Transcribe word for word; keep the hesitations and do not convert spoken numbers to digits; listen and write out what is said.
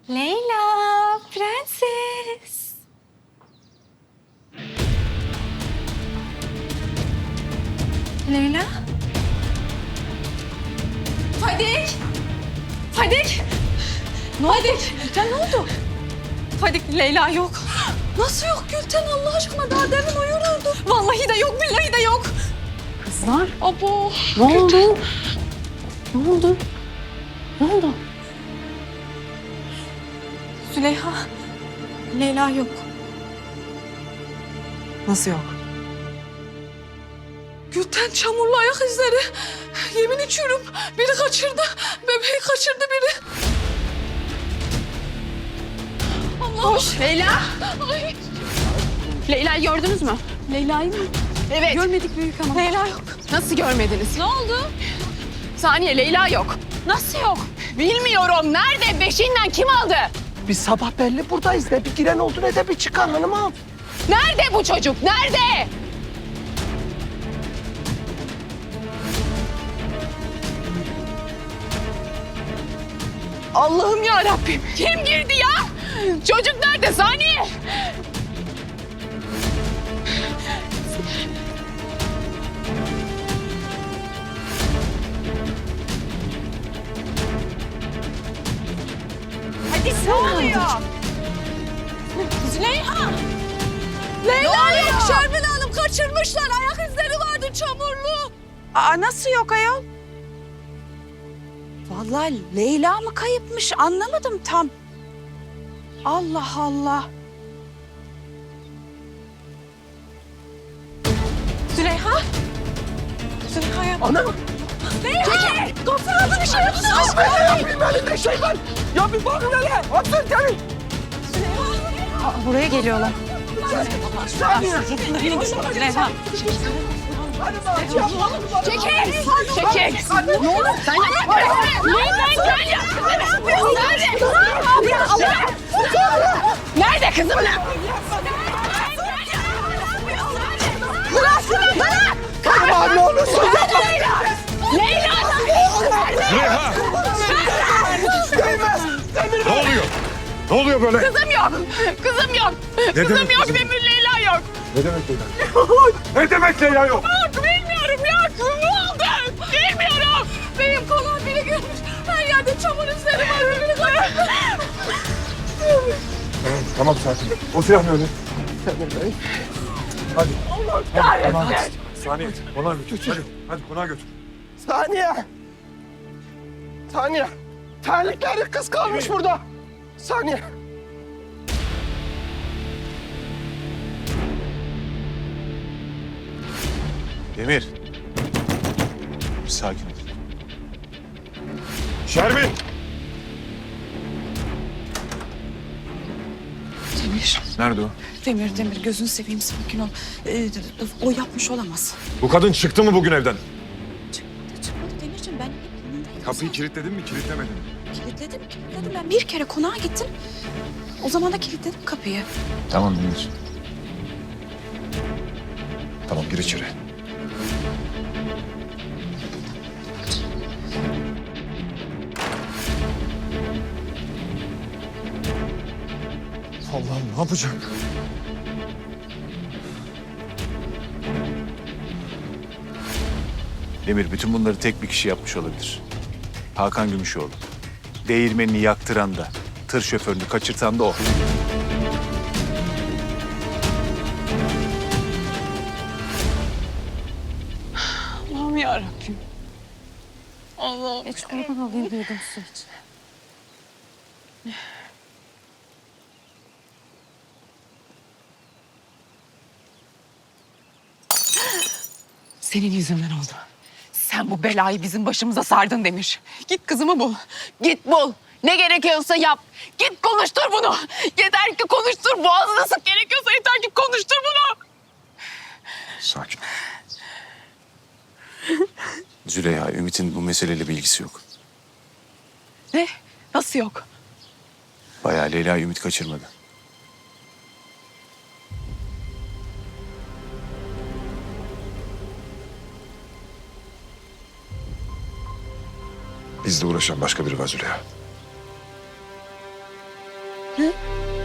Leyla, prenses. Leyla? Fadik! Fadik! Ne oldu? Gülten ne oldu? Fadik, Leyla yok. Nasıl yok Gülten Allah aşkına? Daha demin uyururdu. Vallahi de yok, billahi de yok. Kızlar, Abo. ne oldu? Ne oldu? Ne oldu? Züleyha, Leyla yok. Nasıl yok? Gülten çamurlu ayak izleri. Yemin içiyorum biri kaçırdı. Bebeği kaçırdı biri. Allah. Koş. Leyla. Ay. Leyla'yı gördünüz mü? Leyla'yı mı? Evet. Görmedik büyük hanım. Leyla yok. Nasıl görmediniz? Ne oldu? Saniye, Leyla yok. Nasıl yok? Bilmiyorum. Nerede? Beşiğinden kim aldı? Biz sabah belli buradayız. Ne bir giren oldu ne de bir çıkan hanımım. Nerede bu çocuk? Nerede? Allah'ım ya Rabbim. Kim girdi ya? Çocuk nerede? Saniye. Hadi ne oluyor? Züleyha. Leyla yok. Şermin Hanım kaçırmışlar. Ayak izleri vardı çamurlu. Aa, nasıl yok ayol? Vallahi Leyla mı kayıpmış anlamadım tam. Allah Allah. Züleyha. Züleyha yapma. Anam. Leyla. Gafur abi bir şey yapsın. Ben ne yapayım elinde şey var. Ya bir bakın hele. Atın gelin. Buraya geliyorlar. Saniye. Züleyha. Çekil! Çekil! Ne olur sen yapma! Leyla gel ya! Nerede? Nerede kızım? Bırak şunu! Bırak! Aman ne olursun yapma. Leyla! Züleyha! Değmez. Demir Ne oluyor? Ne oluyor böyle? Kızım yok! Kızım yok! Kızım demek yok! kızım? Demir Leyla yok! Ne demek Leyla? Ne demek Leyla yok? Yok bilmiyorum yok! Ne oldu? Bilmiyorum! Benim kolum biri görmüş. Her yerde çamur izleri var. Öbürü kaçırdı. Tamam, tamam sakin. O silah ne öyle? Demir Bey. Hadi. Hadi, konağa götür. Saniye, konağa götür. Hadi, hadi konağa götür. Saniye. Saniye. Terlikleri kız kalmış burada. Saniye. Demir. Bir sakin ol. Şermin! Demir, Nerede o? Demir, Demir gözünü seveyim sakin ol. Ee, o yapmış olamaz. Bu kadın çıktı mı bugün evden? Çıkmadı, çıkmadı Demirciğim ben hep yanındaydım. Kapıyı kilitledin mi, kilitlemedin mi? Kilitledim, kilitledim. Ben bir kere konağa gittim. O zaman da kilitledim kapıyı. Tamam Demir. Tamam, gir içeri. Allah'ım ne yapacağım? Demir, bütün bunları tek bir kişi yapmış olabilir. Hakan Gümüşoğlu. Değirmenini yaktıran da, tır şoförünü kaçırtan da o. Allah'ım yarabbim. Allah'ım. Hiç kurban olayım duydum su hiç. Senin yüzünden oldu. Sen bu belayı bizim başımıza sardın Demir. Git kızımı bul. Git bul. Ne gerekiyorsa yap. Git konuştur bunu. Yeter ki konuştur. Boğazına sık gerekiyorsa yeter ki konuştur bunu. Sakin ol. Züleyha, Ümit'in bu meseleyle bir ilgisi yok. Ne? Nasıl yok? Bayağı Leyla'yı Ümit kaçırmadı. Bizle uğraşan başka biri var Züleyha. He?